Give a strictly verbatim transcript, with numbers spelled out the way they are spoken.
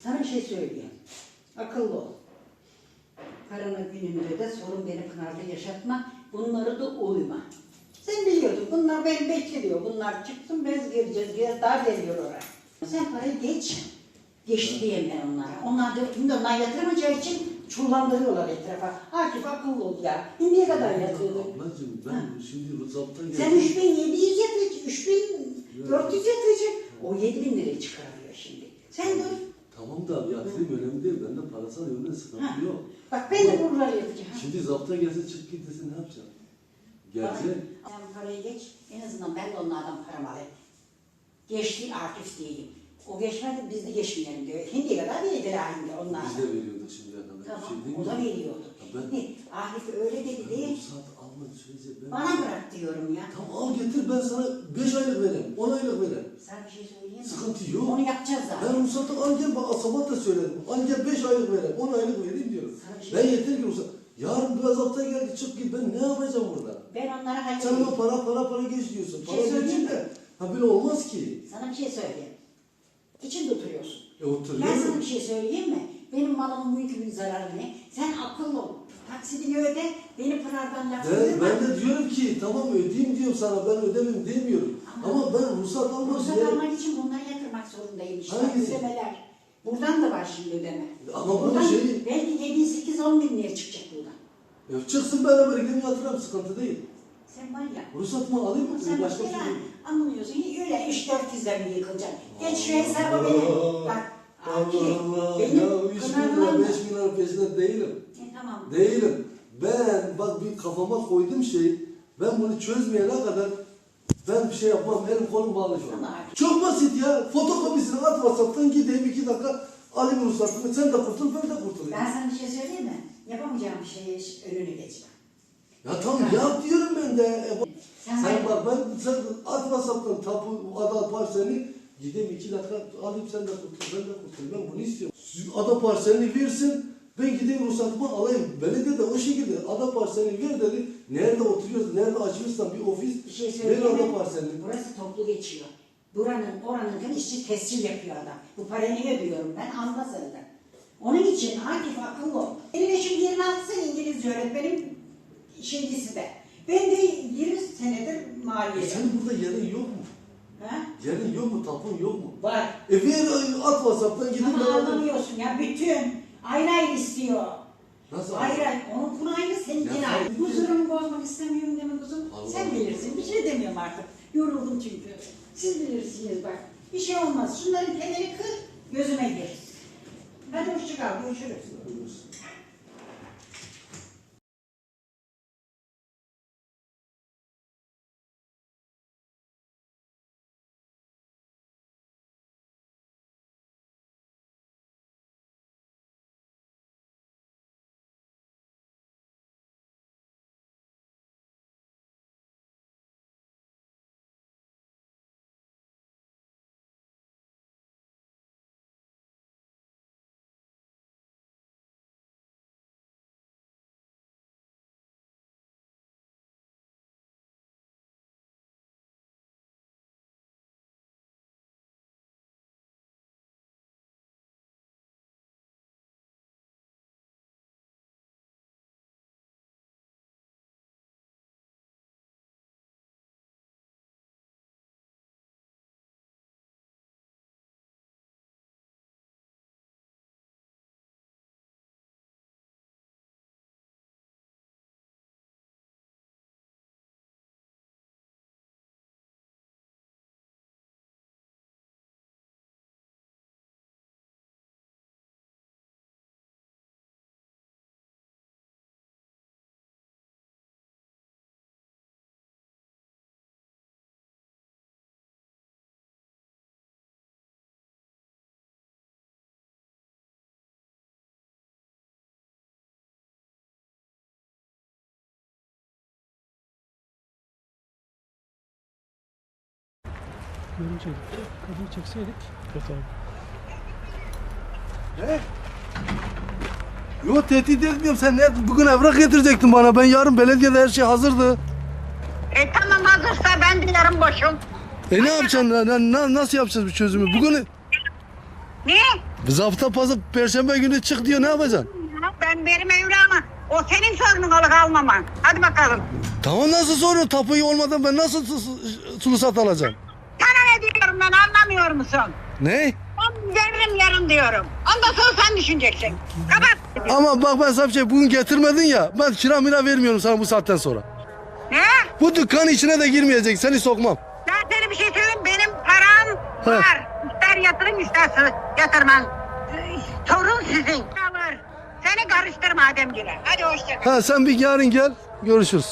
Sana bir şey söyleyeyim. Akıllı ol. Paranın gününde de sorun beni Pınar'da yaşatma. Bunları da uyma. Sen biliyordun. Bunlar beni bekliyor. Bunlar çıksın biz gireceğiz. Biraz daha geliyor oraya. Sen parayı geç. Geçti diyeyim ben onlara. Onlar da şimdi onlar yatıramayacağı için çullandırıyorlar etrafa. Akif akıllı ol ya. Şimdiye kadar yatıyordun. Ablacığım ben Ha. şimdi zaptan geldim. Sen üç bin yedi yüz yatıracak, üç bin dört yüz yatıracak. O yedi bin lirayı çıkarıyor şimdi. Sen dur. Tamam da yatırım önemli değil. Bende parasal yönden sıkıntı Ha. yok. Bak ben de buraları yapacağım. Şimdi zapta gelse çık git desin ne yapacağım? Gelecek. Sen parayı geç. En azından ben de onlardan paramı alayım. Geçti Akif diyeyim. O geçmedi biz de geçmeyelim diyor. Şimdiye kadar verdiler halinde onlar. Biz de veriyorduk şimdiye kadar. Tamam, Bir şey değil o da mi? veriyordu. Ben- Şimdi Akif öyle dedi Ben değil. ruhsat alma sürece ben... Bana bırak diyorum ya. Tamam al getir ben sana beş aylık vereyim, on aylık vereyim. Sana bir şey söyleyeyim mi? Sıkıntı yok. Onu yapacağız zaten. Ben ruhsatı al gel bak sabah da söyledim. Al gel beş aylık vereyim, on aylık vereyim diyorum. Sana bir şey- Ben yeter ki ruhsat. Yarın biraz hafta geldi çık git ben ne yapacağım burada? Ben onlara Sen halledeyim. ona para para para geç diyorsun. Bir Para şey söyleyeyim geçince ha böyle olmaz ki. Sana bir şey söyleyeyim. İçinde oturuyorsun. E oturuyor. Ben sana bir şey söyleyeyim mi? Benim malımın mülkümün zararı ne? Sen akıllı ol. Taksidini öde, beni Pınar'dan laf Ben, edemem. ben de diyorum ki tamam ödeyeyim diyorum sana ben ödemem demiyorum. Ama- Ama, ben ruhsat almak Ruhsat üzere- almak için bunları yatırmak zorundayım işte. Hangisi? Ödemeler. Buradan da var şimdi ödeme. Ama bu Buradan şey- belki yedi, sekiz, on bin liraya çıkacak buradan. Ya çıksın beraber gidelim yatıralım sıkıntı değil. Sen var ya. Ruhsatımı alayım mı? Sen Başka başka bir şey değil. anlamıyorsun. Öyle üç dört yüzle mi yıkılacak? Geç şu hesabı beni. Bak. Akif, Allah Allah benim ya üç bin lira Pınar'dan da- beş bin lira peşinde değilim. E, tamam. Değilim. Ben bak bir kafama koydum şey ben bunu çözmeyene kadar ben bir şey yapmam elim kolum bağlı şu an. Ama- Çok basit ya fotokopisini at WhatsApp'tan gideyim iki dakika alayım ruhsatımı sen de kurtul ben de kurtulayım. Ben sana bir şey söyleyeyim mi? Yapamayacağım bir şeye önünü geçme. Ya tamam yap diyorum ben de. E, Sen, sen sen bak ben sen at WhatsApp'tan tapu ada parselini gideyim iki dakika alayım sen de kurtul ben de kurtulayım ben bunu istiyorum. Ada parselini versin ben gideyim ruhsatımı alayım. Belediye de o şekilde ada parselini ver dedi. Nerede oturuyoruz nerede açmışsan bir ofis bir şey ver söyleyeyim ada mi? parselini. Burası toplu geçiyor. Buranın, oranın işçi tescil yapıyor adam. Bu parayı niye ödüyorum ben? Almaz elden. Onun için Akif akıllı ol. Benim eşim yirmi altı sene İngilizce öğretmenim şeycisi de. Ben de yirmi senedir E maliyeci. senin burada yerin yok mu? Ha? Yerin yok mu? Tapun yok mu? Var. E ver at WhatsApp'tan gidin Ama beraber. anlamıyorsun ya. Bütün ayrı ayrı istiyor. Nasıl? Ayrı ayrı. Onun bunu ayrı, seninkine Ya, ayrı. tabii ki. Huzurumu bozmak istemiyorum deme kuzum. Allah Sen Allah. bilirsin. Bir şey demiyorum artık. Yoruldum çünkü. Siz bilirsiniz bak. Bir şey olmaz. Şunların kenarı kır, gözüme gir. Hadi hoşça kal. Görüşürüz. Görünceydik. Kadını çekseydik. Evet abi. Ne? Yok tehdit etmiyorum sen ne? Bugün evrak getirecektin bana ben yarın belediyede her şey hazırdı. E tamam hazırsa ben de yarın boşum. E ne yapacaksın? Na- na- nasıl yapacağız bu çözümü? Bugün Ne? Zabıta pazar perşembe günü çık diyor, ne yapacaksın? Ben benim evlamı. O senin sorunun alık almaman. Hadi bakalım. Tamam, nasıl soruyor? Tapuyu olmadan ben nasıl su- su- sulu sat alacağım? Sana ne diyorum ben, anlamıyor musun? Ne? Ben veririm yarın diyorum. Ondan sonra sen düşüneceksin. Kapat. Ama bak ben sana bir şey, bugün getirmedin ya, ben kira mira vermiyorum sana bu saatten sonra. Ne? Bu dükkanın içine de girmeyecek, seni sokmam. Ben sana bir şey söyleyeyim. Benim param He. var. İster yatırın isterse yatırman. Ee, Sorun sizin. Var. Seni karıştırma Ademgile. Hadi hoşça kal. Ha, sen bir yarın gel, görüşürüz.